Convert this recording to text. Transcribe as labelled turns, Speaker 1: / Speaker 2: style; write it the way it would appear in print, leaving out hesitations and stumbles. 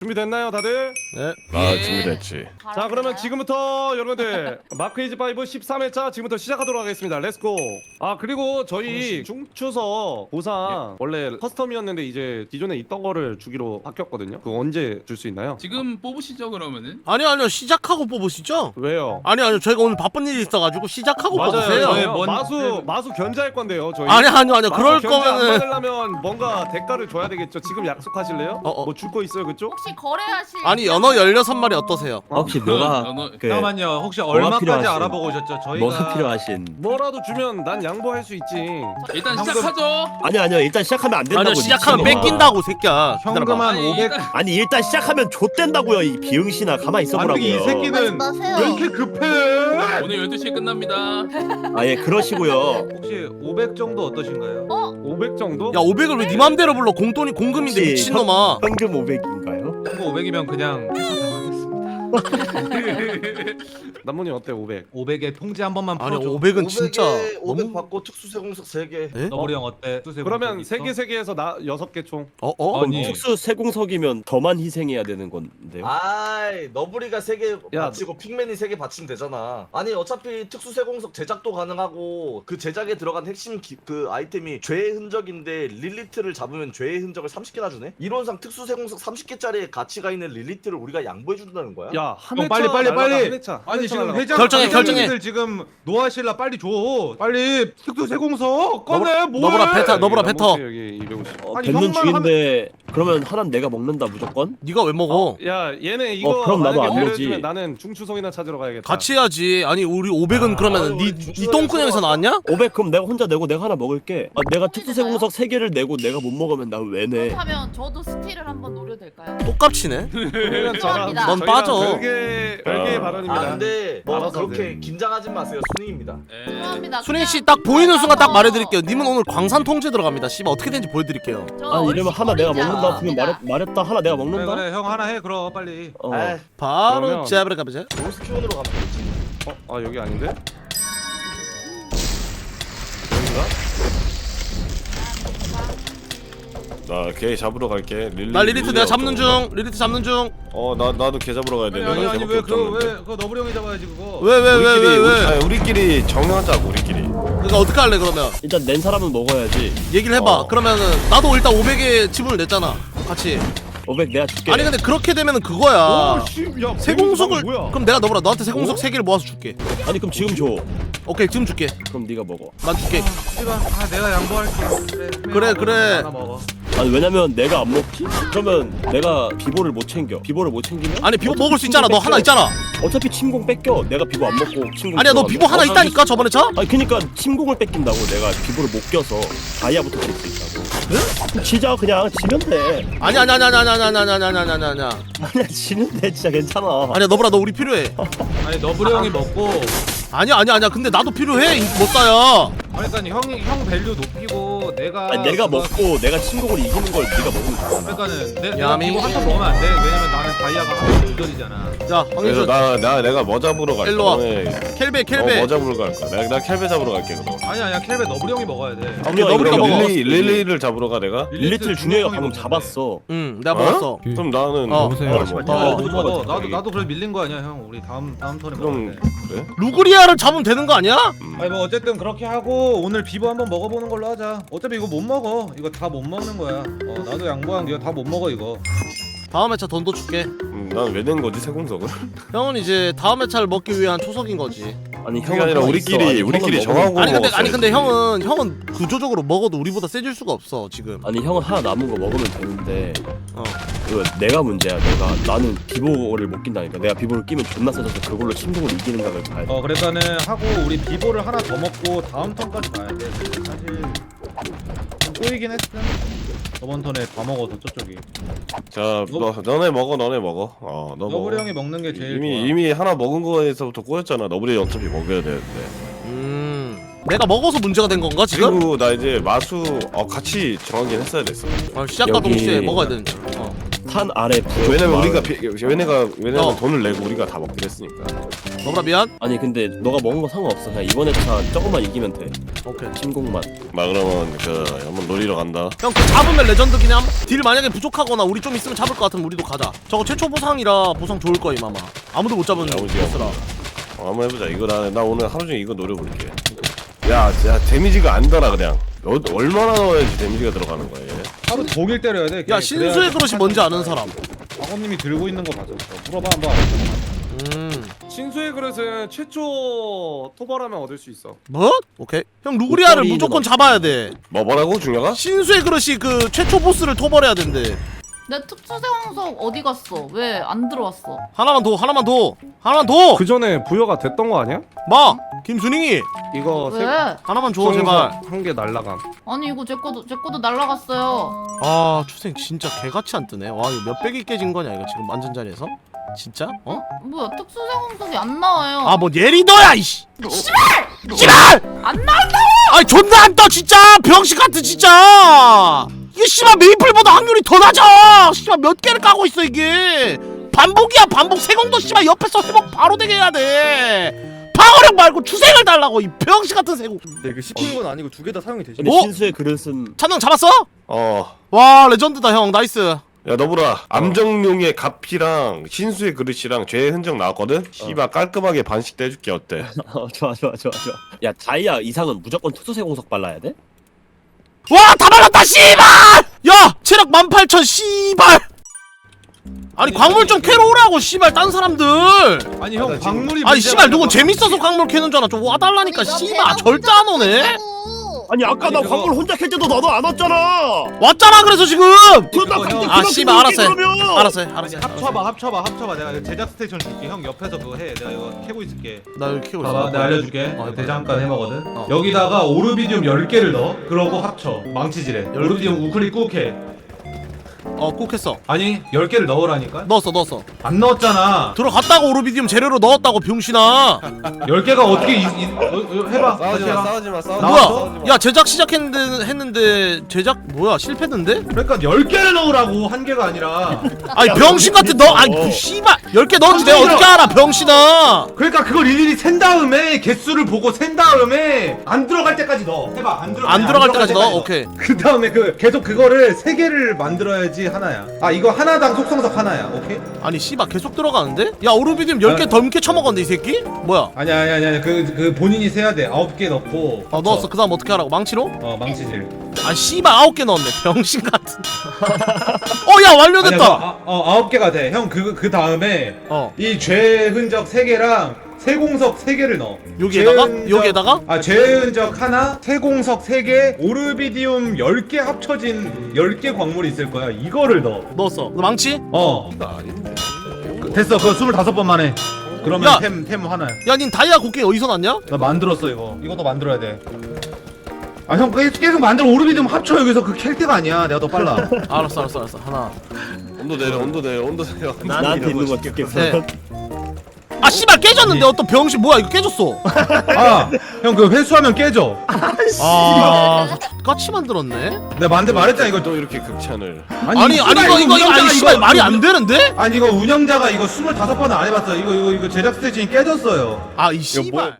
Speaker 1: 준비됐나요 다들?
Speaker 2: 네.
Speaker 3: 아 준비됐지.
Speaker 1: 자 그러면 지금부터 여러분들 마크이즈 5 13회차 지금부터 시작하도록 하겠습니다. 렛츠고. 아 그리고 저희 중추석 보상 원래 커스텀이었는데 이제 기존에 있던 거를 주기로 바뀌었거든요. 그거 언제 줄 수 있나요?
Speaker 4: 지금 뽑으시죠 그러면은?
Speaker 2: 아니요 시작하고 뽑으시죠?
Speaker 1: 왜요?
Speaker 2: 아니요 저희가 오늘 바쁜 일이 있어가지고 시작하고 뽑으세요.
Speaker 1: 저희
Speaker 4: 뭔-
Speaker 1: 마수 견제할 건데요 저희.
Speaker 2: 아니요 그럴
Speaker 1: 마수 견제 안
Speaker 2: 거면은
Speaker 1: 받으려면 뭔가 대가를 줘야 되겠죠. 지금 약속하실래요? 뭐 줄 거 있어요 그쪽?
Speaker 5: 혹시 거래하실
Speaker 2: 아니 연어 16마리 어떠세요?
Speaker 6: 혹시 뭐가 그
Speaker 7: 잠깐만요. 혹시
Speaker 6: 뭐가
Speaker 7: 얼마까지
Speaker 6: 필요하신-
Speaker 7: 알아보고 오셨죠? 저희가
Speaker 6: 뭐가 필요하신?
Speaker 1: 뭐라도 주면 난 양보할 수 있지.
Speaker 4: 일단
Speaker 7: 현금-
Speaker 4: 시작하죠.
Speaker 6: 아니요 일단 시작하면 안 된다고.
Speaker 2: 아니요 시작하면
Speaker 6: 미친놈아.
Speaker 2: 뺏긴다고 새끼야.
Speaker 7: 현금
Speaker 2: 기다려봐.
Speaker 7: 한 500.
Speaker 6: 아니 일단 시작하면 좆된다고요 이 비응신아. 가만히 있어보라고요.
Speaker 7: 이 새끼는
Speaker 5: 마세요.
Speaker 7: 왜 이렇게 급해?
Speaker 4: 오늘 12시에 끝납니다.
Speaker 6: 아예 그러시고요.
Speaker 7: 혹시 500 정도 어떠신가요?
Speaker 1: 500 정도?
Speaker 2: 야 500을 왜 네 맘대로 불러? 공돈이 공금인데
Speaker 6: 혹시
Speaker 2: 미친놈아.
Speaker 6: 현금 500인가요?
Speaker 7: 그거 500이면 그냥
Speaker 1: 남문이 어때 500?
Speaker 7: 500에 통지 한 번만
Speaker 2: 아니
Speaker 7: 풀어줘.
Speaker 2: 500은 진짜
Speaker 8: 500
Speaker 2: 너무
Speaker 8: 받고 특수세공석 3개.
Speaker 2: 에?
Speaker 7: 너구리 형 어때?
Speaker 1: 그러면 3개에서 나 6개 총.
Speaker 7: 아니.
Speaker 6: 특수 세공석이면 더만 희생해야 되는 건데요.
Speaker 8: 아이 너브리가 3개
Speaker 1: 야,
Speaker 8: 바치고 핑맨이 3개 바치면 되잖아. 아니 어차피 특수세공석 제작도 가능하고 그 제작에 들어간 핵심 그 아이템이 죄의 흔적인데 릴리트를 잡으면 죄의 흔적을 30개나 주네? 이론상 특수세공석 30개짜리 가치가 있는 릴리트를 우리가 양보해준다는 거야?
Speaker 1: 야, 한
Speaker 7: 형,
Speaker 1: 회차
Speaker 7: 빨리.
Speaker 1: 날라가, 한 회차.
Speaker 7: 아니 지금
Speaker 1: 날라가.
Speaker 7: 회장
Speaker 2: 결정해.
Speaker 7: 회장님들 지금 노하실라 빨리 줘. 빨리 특수 세공석 꺼내.
Speaker 2: 너보라 뱉어, 너보라 뱉어.
Speaker 1: 여기 250.
Speaker 7: 아니,
Speaker 6: 뱉는
Speaker 7: 형만
Speaker 6: 중인데 그러면 하나는 내가 먹는다 무조건?
Speaker 2: 네가 왜 먹어?
Speaker 1: 야, 얘네 이거
Speaker 6: 그럼 나도
Speaker 1: 만약에
Speaker 6: 안 먹지.
Speaker 1: 배려해주면 나는 중추석이나 찾으러 가야겠다.
Speaker 2: 같이 해야지. 아니 우리 500은 그러면 네 똥구녕에서 나왔냐?
Speaker 6: 500 그럼 내가 혼자 내고 내가 하나 먹을게. 아, 내가 특수 세공석 3개를 내고 내가 못 먹으면 나 왜 내?
Speaker 5: 그렇다면 저도 스틸을 한번 노려도 될까요?
Speaker 2: 똑같이네.
Speaker 1: 그러면
Speaker 5: 죄송합니다.
Speaker 2: 넌 빠져.
Speaker 1: 별개의 발언입니다.
Speaker 8: 아 근데 뭐
Speaker 1: 알아서
Speaker 8: 그렇게
Speaker 1: 네.
Speaker 8: 긴장하지 마세요. 순위입니다.
Speaker 5: 죄송합니다.
Speaker 2: 순행 씨 딱 보이는 순간 딱 말해드릴게요. 님은 오늘 광산 통제 들어갑니다. 씨발 어떻게 되는지 보여드릴게요.
Speaker 6: 아니 이러면 하나 내가 먹는다 그러면 말했다 하나 내가
Speaker 7: 그래
Speaker 6: 먹는다?
Speaker 7: 그래 형 하나 해 그럼 빨리.
Speaker 8: 에이
Speaker 2: 바로
Speaker 1: 그러면-
Speaker 2: 제압을 가보자.
Speaker 8: 로스키온으로 가면 되지.
Speaker 1: 아, 여기 아닌데?
Speaker 3: 나 걔 잡으러 갈게.
Speaker 2: 나 리리트 내가 잡는 중. 리리트 잡는 중.
Speaker 3: 나도 걔 잡으러 가야 돼.
Speaker 7: 아니
Speaker 3: 내가 걔밖에 없었는데.
Speaker 7: 왜 그거 너브리 형이 잡아야지 그거.
Speaker 2: 왜?
Speaker 3: 아니, 우리끼리 정하자고 우리끼리.
Speaker 2: 그러니까 어떻게 할래 그러면?
Speaker 6: 일단 낸 사람은 먹어야지.
Speaker 2: 얘기를 해봐. 그러면은 나도 일단 500에 지분을 냈잖아. 같이.
Speaker 6: 500 내가 줄게.
Speaker 2: 아니 근데 그렇게 되면은 그거야.
Speaker 1: 오, 씨, 야,
Speaker 2: 세공석을
Speaker 1: 뭐야?
Speaker 2: 그럼 내가 너한테 세공석 3개를 모아서 줄게.
Speaker 6: 아니 그럼 지금 줘.
Speaker 2: 오케이 지금 줄게.
Speaker 6: 그럼 네가 먹어.
Speaker 2: 난 줄게.
Speaker 7: 씨발 아 내가 양보할게.
Speaker 2: 그래.
Speaker 7: 하나 먹어.
Speaker 6: 아니 왜냐면 내가 안 먹지? 그러면 내가 비보를 못 챙겨. 비보를 못 챙기면?
Speaker 2: 아니 비보
Speaker 6: 어차피
Speaker 2: 먹을 수 있잖아. 너
Speaker 6: 침공
Speaker 2: 하나
Speaker 6: 뺏겨.
Speaker 2: 있잖아.
Speaker 6: 어차피 침공 뺏겨. 내가 비보 안 먹고 침공.
Speaker 2: 아니야 너
Speaker 6: 들어가면.
Speaker 2: 비보 하나 있다니까 저번에 차?
Speaker 6: 아니 그니까 침공을 뺏긴다고. 내가 비보를 못 껴서 다이아부터 질 수 있다고. 응? 지자 그냥 지면 돼.
Speaker 2: 아니야.
Speaker 6: 아니야 지면 돼 진짜 괜찮아.
Speaker 2: 아니야 너보라 너 우리 필요해.
Speaker 7: 아니 너브리 형이 먹고.
Speaker 2: 아니야. 근데 나도 필요해. 못 사야.
Speaker 7: 그러니까 형 밸류 높이고 내가.
Speaker 6: 아니 내가 먹고 내가 침공을 이기는 걸 네가 먹으면 되잖아.
Speaker 7: 그러니까는 내가
Speaker 2: 야미.
Speaker 7: 이거 한턴 먹으면 안 돼. 왜냐면 나는 다이아가 조절이잖아.
Speaker 2: 자
Speaker 3: 그래서
Speaker 2: 황인준
Speaker 3: 내가 뭐 잡으러 갈게.
Speaker 2: 일로 와.
Speaker 3: 너네
Speaker 2: 켈베.
Speaker 3: 뭐 잡으러 갈 거야? 나 켈베 잡으러 갈게 그럼.
Speaker 7: 아니야 켈베 너브리 형이 먹어야 돼.
Speaker 2: 오케이, 너브리가
Speaker 6: 이거
Speaker 2: 먹어.
Speaker 3: 릴리를 잡으러 가 내가?
Speaker 6: 릴리트를 준영이가
Speaker 7: 형이
Speaker 6: 방금
Speaker 7: 먹는데.
Speaker 6: 잡았어.
Speaker 2: 응 내가 먹었어.
Speaker 3: 그럼 나는
Speaker 2: 어.
Speaker 3: 뭘 먹어?
Speaker 2: 어.
Speaker 7: 못 먹어. 나도 그래 밀린 거 아니야 형. 우리 다음 턴에 먹어야
Speaker 3: 그럼
Speaker 7: 돼.
Speaker 3: 그래?
Speaker 2: 루그리아를 잡으면 되는 거 아니야?
Speaker 7: 아니 뭐 어쨌든 그렇게 하고 오늘 비보 한번 먹어보는 걸로 하자. 어차피 이거 못 먹어. 이거 다 못 먹는 거야. 나도 양보한 게 다 못 먹어 이거.
Speaker 2: 다음 회차 돈도 줄게.
Speaker 3: 난 왜 낸 거지 세공석을?
Speaker 2: 형은 이제 다음 회차를 먹기 위한 초석인 거지.
Speaker 6: 아니
Speaker 3: 그게 아니라 우리끼리 정하고
Speaker 2: 아니
Speaker 3: 먹었어야지.
Speaker 2: 근데 형은 구조적으로 먹어도 우리보다 세질 수가 없어 지금.
Speaker 6: 아니 형은 하나 남은 거 먹으면 되는데
Speaker 2: 어.
Speaker 6: 이거 내가 문제야. 나는 비보를 못 낀다니까. 내가 비보를 끼면 존나 세져서 그걸로 침공을 이기는 각을 봐야 돼.
Speaker 7: 그러니까는 하고 우리 비보를 하나 더 먹고 다음 턴까지 가야 돼. 사실 좀 꼬이긴 했음. 저번 턴에 다 먹어서 저쪽이.
Speaker 3: 자, 너네 먹어. 너
Speaker 7: 너브리
Speaker 3: 먹어.
Speaker 7: 형이 먹는 게 제일 좋아.
Speaker 3: 이미 하나 먹은 거에서부터 꼬였잖아. 너브리 어차피 먹어야 되는데.
Speaker 2: 내가 먹어서 문제가 된 건가 지금?
Speaker 3: 그리고 나 이제 마수 같이 정하긴 했어야 됐어.
Speaker 2: 시작과
Speaker 6: 여기-
Speaker 2: 동시에 먹어야 되는데.
Speaker 6: 탄 아래 부족.
Speaker 3: 왜냐면
Speaker 6: 마을.
Speaker 3: 왜냐면
Speaker 2: 어.
Speaker 3: 돈을 내고 우리가 다 먹기로 했으니까.
Speaker 2: 너보라 미안.
Speaker 6: 아니 근데 너가 먹은 거 상관없어. 그냥 이번에 차 조금만 이기면 돼.
Speaker 2: 오케이.
Speaker 6: 침공만.
Speaker 3: 막 그러면 한번 노리러 간다.
Speaker 2: 형 그 잡으면 레전드긴 함. 딜 만약에 부족하거나 우리 좀 있으면 잡을 것 같으면 우리도 가자. 저거 최초 보상이라 보상 좋을 거임 아마. 아무도 못 잡은
Speaker 3: 야무지게
Speaker 2: 보스라.
Speaker 3: 한번 해보자. 이거 나 오늘 하루 종일 이거 노려볼게. 야 데미지가 안 달아 그냥. 얼마나 넣어야지 데미지가 들어가는 거야 얘.
Speaker 7: 하루 종일 때려야 돼.
Speaker 2: 야 신수의 그릇이 뭔지 아는 사람.
Speaker 7: 광호님이 들고 있는 거 맞아. 물어봐 한번.
Speaker 1: 신수의 그릇은 최초 토벌하면 얻을 수 있어.
Speaker 2: 뭐? 오케이. 형 루그리아를
Speaker 6: 목걸이는
Speaker 2: 무조건 잡아야 돼.
Speaker 3: 뭐라고 중요가?
Speaker 2: 신수의 그릇이 그 최초 보스를 토벌해야 된대.
Speaker 5: 내 특수세공석 어디 갔어? 왜 안 들어왔어?
Speaker 2: 하나만 더. 하나만
Speaker 1: 그 전에 부여가 됐던 거 아니야?
Speaker 2: 마 김순잉이
Speaker 1: 이거
Speaker 5: 왜?
Speaker 2: 하나만 줘 제발.
Speaker 1: 한개 날라감.
Speaker 5: 아니 이거 제 거도 날라갔어요.
Speaker 2: 아 추생 진짜 개같이 안 뜨네. 와 이거 몇백이 깨진 거냐 이거 지금 완전 자리에서? 진짜? 어?
Speaker 5: 뭐야 특수세공석이 안 나와요.
Speaker 2: 아 뭐 예리더야 이씨. 씨발!
Speaker 5: 안 나온다.
Speaker 2: 아니 존나 안 떠 진짜 병신 같은 진짜. 이게 씨발 메이플보다 확률이 더 낮아. 씨발 몇 개를 까고 있어 이게. 반복이야 반복. 세공도 씨발 옆에서 회복 바로 되게 해야 돼. 방어력 말고 추생을 달라고 이 병신 같은 세공.
Speaker 9: 네, 그 씹힌 건 아니고 두 개 다 사용이 되죠.
Speaker 6: 근데
Speaker 2: 어?
Speaker 6: 신수의 그릇은
Speaker 2: 찬영 잡았어?
Speaker 3: 어.
Speaker 2: 와 레전드다 형 나이스.
Speaker 3: 야 너보라 암정용의 가피랑 신수의 그릇이랑 죄의 흔적 나왔거든? 씨발 깔끔하게 반씩 떼줄게 어때?
Speaker 6: 좋아. 야 다이아 이상은 무조건 특수세공석 발라야 돼?
Speaker 2: 와 다 발랐다 씨발. 야 체력 18,000 씨발. 아니 광물 좀 캐러 오라고 씨발 딴 사람들.
Speaker 7: 아니 형 광물이.
Speaker 2: 아니 씨발 누군 재밌어서 광물 캐는 줄 알아. 좀 와달라니까 씨발 절대 안 오네.
Speaker 6: 아니 아까 나 광물 혼자 캘 때도 너도 안 왔잖아.
Speaker 2: 왔잖아 그래서 지금. 아 씨발 알았어 해.
Speaker 6: 그러면.
Speaker 2: 알았어 해.
Speaker 7: 합쳐봐. 내가 그 제작 스테이션 줄게. 형 옆에서 그거 해. 내가 이거 캐고 있을게.
Speaker 2: 나 여기 키고
Speaker 7: 봐봐,
Speaker 2: 있어.
Speaker 7: 내가 알려줄게.
Speaker 2: 어,
Speaker 7: 대장간 해먹거든.
Speaker 2: 어.
Speaker 7: 여기다가 오르비디움 10개를 넣어. 그러고 합쳐. 망치질해. 오르비디움 우클릭 꾹 해.
Speaker 2: 꼭 했어.
Speaker 7: 아니 10개를 넣으라니까.
Speaker 2: 넣었어.
Speaker 7: 안 넣었잖아.
Speaker 2: 들어갔다고 오르비디움 재료로 넣었다고 병신아.
Speaker 7: 10개가 어떻게 해봐. 다시 해봐.
Speaker 3: 싸우지마
Speaker 2: 뭐야? 야 제작 시작했는데 제작 뭐야 실패했는데?
Speaker 7: 그러니까 10개를 넣으라고 한 개가 아니라.
Speaker 2: 아니 병신 같은 너 아니 그 씨발 10개 넣었지 내가 어떻게 알아 병신아.
Speaker 7: 그러니까 그걸 일일이 센 다음에 개수를 보고 센 다음에 안 들어갈 때까지 넣어. 해봐. 안
Speaker 2: 들어갈 때까지 넣어? 오케이.
Speaker 7: 그 다음에 계속 그거를 3개를 만들어야지 하나야. 아 이거 하나당 속성석 하나야. 오케이?
Speaker 2: 아니 씨발 계속 들어가는데? 야 오르비디움 10개 덤게 쳐먹었는데 이 새끼? 뭐야?
Speaker 7: 아니야. 그 본인이 세야 돼. 9개 넣고.
Speaker 2: 넣었어. 그 다음 어떻게 하라고? 망치로?
Speaker 7: 망치질.
Speaker 2: 아 씨발 9개 넣었네 병신 같은. 야 완료됐다.
Speaker 7: 9개가 돼. 형 그 다음에 이 죄 흔적 3개랑 세공석 3개를 넣어.
Speaker 2: 여기에다가?
Speaker 7: 죄 흔적 하나, 세공석 3개, 오르비디움 10개 합쳐진 10개 광물이 있을 거야. 이거를 넣어.
Speaker 2: 넣었어. 너 망치?
Speaker 7: 됐어. 그거 25번 만에. 그러면
Speaker 2: 야!
Speaker 7: 템 하나야.
Speaker 2: 야 닌 다이아 곡괭이 어디서 났냐?
Speaker 7: 나 만들었어 이거. 이것도 만들어야 돼. 아 형 계속 만들어. 오르비디움 합쳐. 여기서 그 캘 때가 아니야. 내가 더 빨라.
Speaker 2: 알았어. 하나.
Speaker 3: 온도 내려.
Speaker 6: 나한테 있는 거 깼겠어.
Speaker 2: 네. 아 씨발 깨졌는데 어떤 병신 뭐야 이거 깨졌어.
Speaker 7: 형 그 회수하면 깨져.
Speaker 2: 같이 만들었네.
Speaker 7: 내가 말했잖아 이거.
Speaker 3: 또 이렇게 극찬을.
Speaker 2: 아니 이거 씨발 말이 안 되는데?
Speaker 7: 아니 이거 운영자가 이거 25번은 안 해봤어. 이거 제작 스테이션이 깨졌어요.
Speaker 2: 이 씨발.